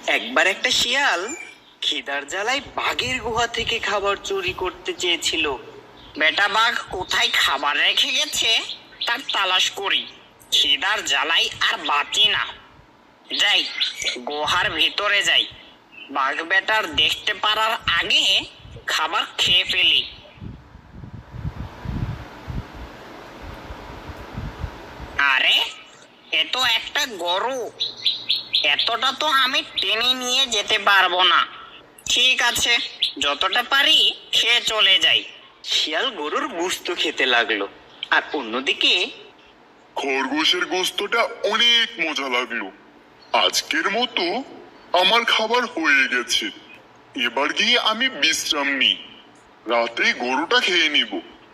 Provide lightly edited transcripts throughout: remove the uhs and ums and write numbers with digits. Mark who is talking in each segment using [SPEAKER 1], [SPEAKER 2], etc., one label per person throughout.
[SPEAKER 1] একবার একটা শিয়াল খিদার জ্বালায় বাঘের গুহা থেকে খাবার চুরি করতে চেয়েছিল।
[SPEAKER 2] বেটা বাঘ কোথায় খাবার রেখে গেছে তার তালাশ করি, খিদার জ্বালাই আর বাঁচি না। যাই, গুহার ভিতরে যাই, বাঘ বেটার দেখতে পারার আগে খাবার খেয়ে ফেলি। আরে, এ তো একটা গরু, এতটা তো আমি টেনে নিয়ে যেতে পারবো না। ঠিক আছে, যতটা পারি খেয়ে চলে যাই।
[SPEAKER 1] শিয়াল গরুর গোস্ত খেতে লাগলো, আর অন্যদিকে
[SPEAKER 3] খরগোশের গোস্তটা অনেক মজা লাগলো। আজকের মতো আমার খাবার হয়ে গেছে, এবার গিয়ে আমি বিশ্রাম নিই, রাতে গরুটা খেয়ে নিব।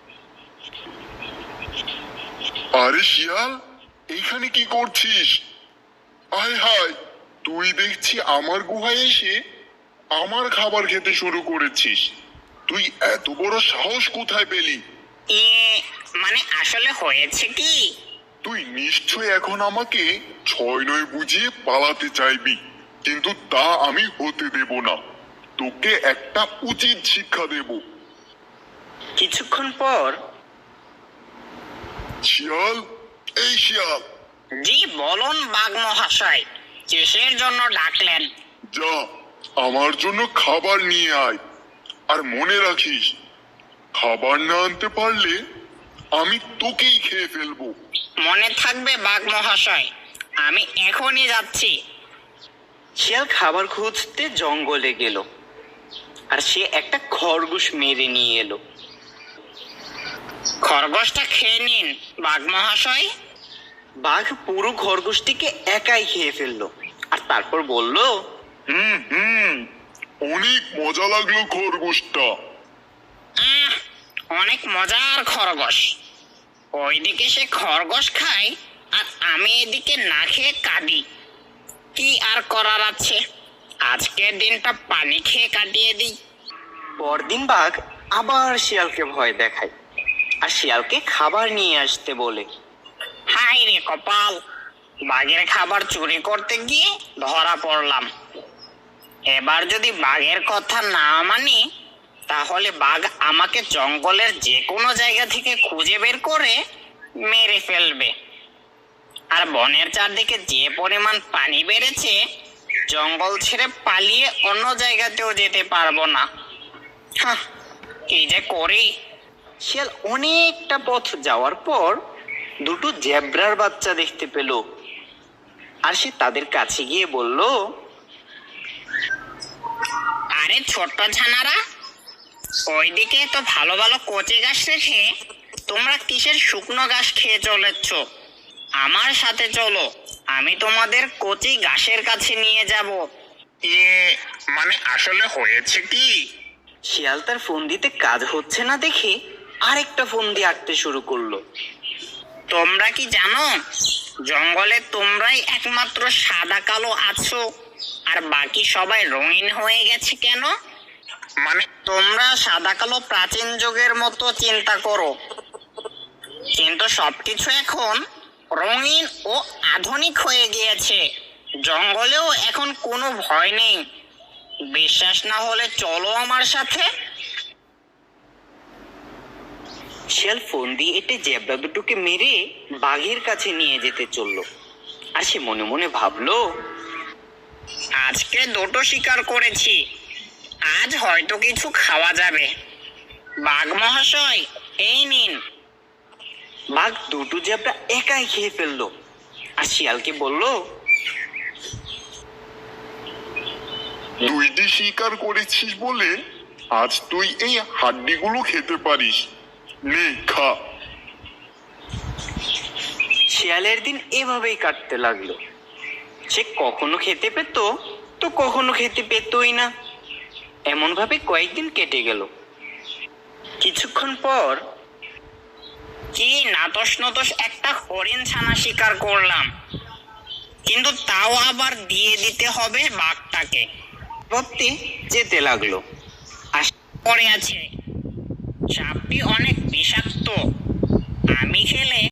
[SPEAKER 3] আরে শিয়াল, এইখানে কি করছিস? আয় হায়, তুই দেখছি আমার গুহায় এসে আমার খাবার খেতে শুরু করেছিস। তুই এত বড় সাহস কোথায় পেলি?
[SPEAKER 2] মানে আসলে হয়েছে কি,
[SPEAKER 3] তুই নিশ্চয় এখন আমাকে ছয় নয় বুঝিয়ে পালাতে চাইবি, কিন্তু তা আমি হতে দেব না। তোকে একটা উচিত শিক্ষা দেব।
[SPEAKER 1] কিছুক্ষণ পর
[SPEAKER 3] শিয়াল, এই শিয়াল,
[SPEAKER 2] জি বলুন বাঘ মহাশয়, কিসের জন্য ডাকলেন?
[SPEAKER 3] যা আমার জন্য খাবার নিয়ে আয়, আর মনে রাখিস, খাবার না আনতে পারলে আমি তোকেই খেয়ে ফেলবো।
[SPEAKER 2] মনে থাকবে বাঘ মহাশয়, আমি এখনই যাচ্ছি।
[SPEAKER 1] শিয়াল খাবার খুঁজতে জঙ্গলে গেল, আর সে একটা খরগোশ মেরে নিয়ে এলো।
[SPEAKER 2] খরগোশটা খেয়ে নিন বাঘ মহাশয়।
[SPEAKER 1] বাঘ পুরো খরগোশটিকে একাই খেয়ে ফেললো, আর তারপর বলল,
[SPEAKER 3] হুম, অনেক মজা লাগলো খরগোশটা।
[SPEAKER 2] অনেক মজার খরগোশ। ওইদিকে সে খরগোশ খায়, আর আমি এদিকে না খেয়ে কাঁদি। কি আর করার আছে, আজকের দিনটা পানি খেয়ে কাটিয়ে দিই।
[SPEAKER 1] পরদিন বাঘ আবার শিয়ালকে ভয় দেখায়, আর শিয়ালকে খাবার নিয়ে আসতে বলে।
[SPEAKER 2] হাই রে কপাল, বাঘের খাবার চুরি করতে গিয়ে ধরা পড়লাম। এবার যদি বাঘের কথা না মানি, তাহলে বাঘ আমাকে জঙ্গলের যে কোনো জায়গা থেকে খুঁজে বের করে মেরে ফেলবে। আর বনের চারদিকে যে পরিমাণ পানি বেড়েছে, জঙ্গল ছেড়ে পালিয়ে অন্য জায়গাতেও যেতে পারবো না। কি যে করি।
[SPEAKER 1] শিয়াল অনেকটা পথ যাওয়ার পর দুটো জেব্রার বাচ্চা দেখতে পেল, আর সে তাদের কাছে গিয়ে বলল,
[SPEAKER 2] আরে ছোট্ট ছানারা, ওইদিকে তো ভালো ভালো কচি ঘাস রেখে তোমরা কিসের শুকনো ঘাস খেয়ে চলেছ? আমার সাথে চলো, আমি তোমাদের কচি ঘাসের কাছে নিয়ে যাব। মানে আসলে হয়েছে কি?
[SPEAKER 1] শিয়াল তার ফোন দিতে কাজ হচ্ছে না দেখে আরেকটা ফোন দিয়ে আঁকতে শুরু করলো।
[SPEAKER 2] তোমরা কি জানো, জঙ্গলে তোমরাই একমাত্র সাদা কালো আছো, আর বাকি সবাই রঙিন হয়ে গেছে কেন? মানে তোমরা সাদা কালো প্রাচীন যুগের মতো চিন্তা করো, কিন্তু সবকিছু এখন রঙিন ও আধুনিক হয়ে গিয়েছে। জঙ্গলেও এখন কোনো ভয় নেই। বিশ্বাস না হলে চলো আমার সাথে।
[SPEAKER 1] শিয়াল ফোন দিয়ে এটে জেব্রা দুটোকে মেরে বাঘের কাছে নিয়ে যেতে চললো, আর সে মনে মনে ভাবলো,
[SPEAKER 2] আজকে দুটো শিকার করেছি, আজ হয়তো কিছু খাওয়া যাবে। বাঘ মহাশয়, এই নিন।
[SPEAKER 1] বাঘ দুটো জেব্রা একাই খেয়ে ফেললো, আর শিয়ালকে বলল,
[SPEAKER 3] দুইটি শিকার করেছিস বলে আজ তুই এই হাড্ডিগুলো খেতে পারিস, নে খা।
[SPEAKER 1] শিয়ালের দিন এভাবেই কাটতে লাগলো। সে কখনো খেতে পেত, তো কখনো খেতে পেতই না। এমন ভাবে কয়েকদিন কেটে গেল। কিছুক্ষণ পর
[SPEAKER 2] কি নাতস নতস একটা হরিণ ছানা শিকার করলাম, কিন্তু তাও আবার দিয়ে দিতে হবে বাঘটাকে।
[SPEAKER 1] ভাবতে যেতে লাগলো।
[SPEAKER 2] পড়ে আছে, সাপটি অনেক বিষাক্ত, আমি খেলে